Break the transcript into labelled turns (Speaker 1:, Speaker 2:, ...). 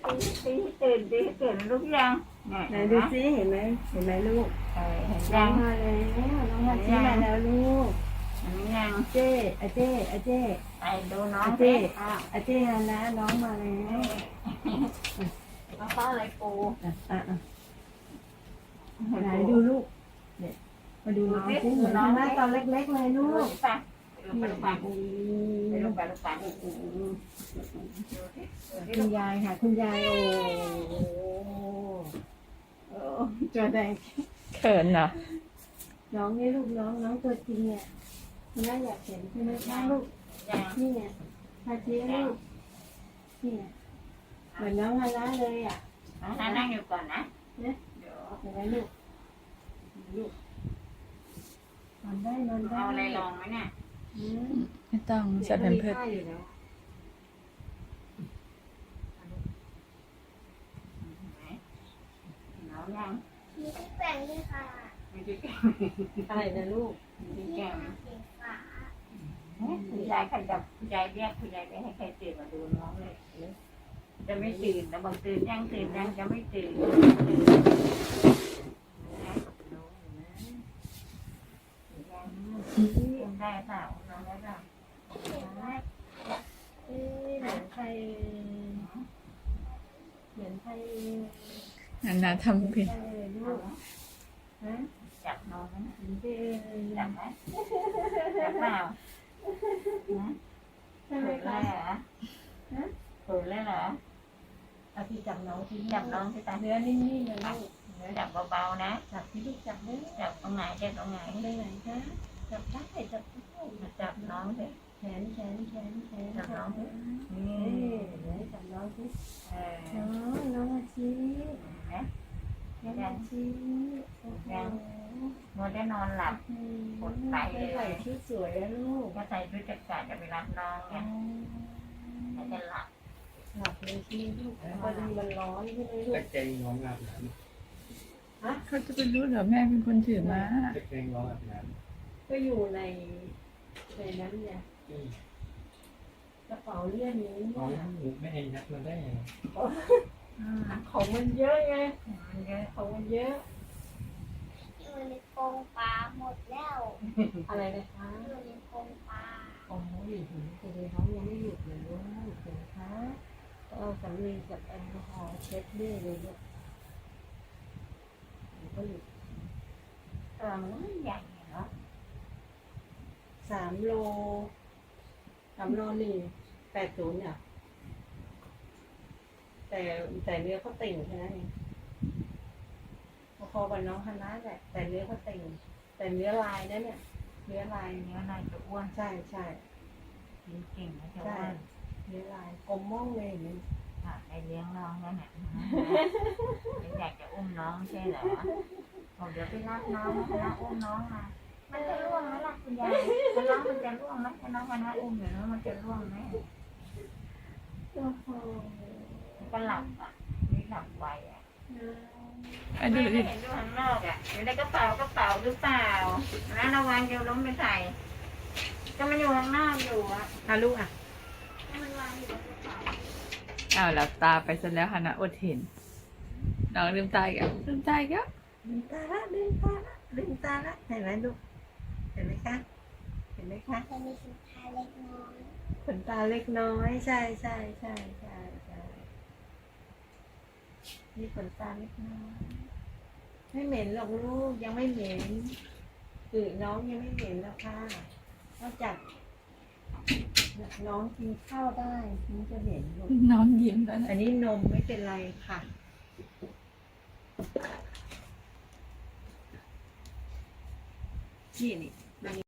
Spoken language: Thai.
Speaker 1: ตื่นลุกยัง
Speaker 2: ไหนดูซิเห็นไหมลูก
Speaker 1: เห็น
Speaker 2: น้
Speaker 1: ยั
Speaker 2: อง
Speaker 1: ง
Speaker 2: มาแล้วน้องฮาชิมาแล้วลูก
Speaker 1: เห็นยัง
Speaker 2: เจ้อาเจ้อาเจ้
Speaker 1: ไปดูน้อง
Speaker 2: อา
Speaker 1: สิ
Speaker 2: เจ้อาเจ้มาแล้วน้องมาแล้ว
Speaker 1: มาเข้าอะไรปู
Speaker 2: ไหนดูลูกเนี่ยมาดูน้องซิเหมือนน้องหน้าตอนเล็กๆเลยลูก
Speaker 1: ไปลูกปังไปลูกปัง
Speaker 2: คุณยายค่ะคุณยายโอ้จอแดง
Speaker 3: เขินเหรอ
Speaker 2: น้องนี่ลูกน้องตัวจริงเนี่ยน่าอยากเห็นใช่ไหมคะลูก
Speaker 1: ยัง
Speaker 2: นี่เนี่ยฮาชิลูกนี่เหมือนน้องฮาร่าเลยอ่ะ
Speaker 1: น้องนั่งอยู่ก่อนนะ
Speaker 2: เนี่ย
Speaker 1: เดี๋ยว
Speaker 2: เห็นไหมลูกนอนได้
Speaker 1: เอาอะไรลองไหมเนี่ย
Speaker 3: ไม่ต้องใส่แผ่นเพิร์ส
Speaker 2: อยู่แล้ว
Speaker 1: น้องยัง
Speaker 4: มีที่แปลงด้วยค่ะ
Speaker 1: ไม่ได้แก่
Speaker 2: อะไรนะลูก
Speaker 1: ไม่ได้
Speaker 4: ที่
Speaker 1: แก่
Speaker 4: ทาสีฟ้า
Speaker 1: คุณยายใครจะคุณยายเรียกคุณยายไม่ให้ใครตื่นมาดูน้องเลยจะไม่ตื่นแต่บางตื่นยังจะไม่ตื่นได้เปล่าน้องได้เปล่า
Speaker 2: เหมือนใคร
Speaker 3: นาทำผิด
Speaker 2: ลูกฮะ
Speaker 1: จับน้องนะ
Speaker 2: เออ
Speaker 1: จับไหมจับเปล่า
Speaker 2: ใช่ไหม
Speaker 1: เขินเล
Speaker 2: คะ
Speaker 1: ยเหรอเขินเลยเหรอ
Speaker 2: เอาที่จับน้องที่
Speaker 1: จับน้องที่ตา
Speaker 2: เนื้อนิ่มๆเลยลูก
Speaker 1: จับเบาๆนะ
Speaker 2: จับที่ลูกจับได้
Speaker 1: จับตรงไหนจับตรงไหน
Speaker 2: ไปไหนคะจับได้จับได้
Speaker 1: จับน้องสิ
Speaker 2: แขนจับน้อง
Speaker 1: นี่
Speaker 2: เไหนจับน้องสิ
Speaker 1: เออ
Speaker 2: น้องอาชี
Speaker 1: นะ
Speaker 2: น้องอาชีโอ้โห
Speaker 1: มัวได้นอนหลับ
Speaker 2: ใส่ชุดสวยแล้วลูก
Speaker 1: ก็ใส่ชุดจักรจะไปรับน้องเนี่ยแล้วจะหลับ
Speaker 2: หลับเลยที่ลูกพอดีมันร้อนใช่ไหมลู
Speaker 5: ตะ
Speaker 2: ก
Speaker 5: แกรงน้องอาบน้
Speaker 3: เขาจะไปรู้เหรอแม่เป็นคนถือมา
Speaker 5: ำตะแกรงน้องอาบน้
Speaker 2: ก็อยู่ในนั้นเนี่ย
Speaker 5: ำ
Speaker 2: กระเป๋าเลื่อนนี้
Speaker 5: น้อง
Speaker 2: เนี่ย
Speaker 5: หนูไม่ให้ยัดมาได้ยังไง
Speaker 2: ของมันเยอะไง
Speaker 1: มันเยอะ
Speaker 2: ของมันเยอะ
Speaker 4: อยู่ในกรงปลาหมดแล้ว
Speaker 2: อะไรนะคะ
Speaker 4: อยู่ในกรงปลา
Speaker 2: โอ้ยแต่เดี๋ยวน้องยังไม่หยุดเลยลูกเห็นคะก็เอาสำลีกับแอลกอฮอล์เช็ดด้วยเลยลูกก็หยุด
Speaker 1: มันใหญ่เนาะ
Speaker 2: 3 โล180เนี่ยแต่เนื้อเขาติ่งแค่นั้นเองพอๆกับน้องฮานะแหละแต่เนื้อเขาติ่งแต่เนื้อลายนะเนี่ยเนื้อลาย
Speaker 1: เนื้อนายจะอ้วน
Speaker 2: ใช่
Speaker 1: กินเก่งนะจะ
Speaker 2: ใช่
Speaker 1: อ้วน
Speaker 2: เนื้อลายกลมม่องเลยอย่างนี้
Speaker 1: ในเลี้ยงน้องแล้วเนี่ยอยากจะอุ้มน้องใช่เหรอบอกเดี๋ยวไปรับน้องนะอุ้มน้องมามันจะร่วงไหมล่ะคุณยายน้องมันจะร่วงไหมถ้าน้องมันอุ้มอยู่แล้วมันจะร่วงไหม
Speaker 2: โอ้โห
Speaker 1: ก็หลับอ่ะนี่หลับไวอ่ะ
Speaker 3: ไอ้ดู
Speaker 1: ไม่
Speaker 3: ดิ
Speaker 1: เห็นดูข้างนอกอ่ะอยู่ในกระเป๋าหรือเปล่านะระวังเดี๋ยวล้มไปใส่ก็มันอยู่ข้างนอกอยู่อ่ะ
Speaker 2: ลูกอ่ะ
Speaker 4: มันวางอยู่บนกระเป๋า
Speaker 3: อ้าวหลับตาไปซะแล้วฮานะอดเห็นน้องลืมตาอีกแล้วลืมตาอีกแล้ว
Speaker 2: ลืมตาละเห็นไหมลูกเห็นไหมคะ
Speaker 4: จะมีสุดท้ายเล็กน้อย
Speaker 2: ขนตาเล็กน้อยใช่นี่ขนตาเล็กน้อยไม่เหม็นหรอกลูกยังไม่เหม็นคือน้องยังไม่เหม็นแล้วค่ะนอกจากน้องกินข้าวได้ถึงจะเหม็นลูก
Speaker 3: น้องยิ้มแล้วนะ
Speaker 2: อันนี้นมไม่เป็นไรค่ะนี่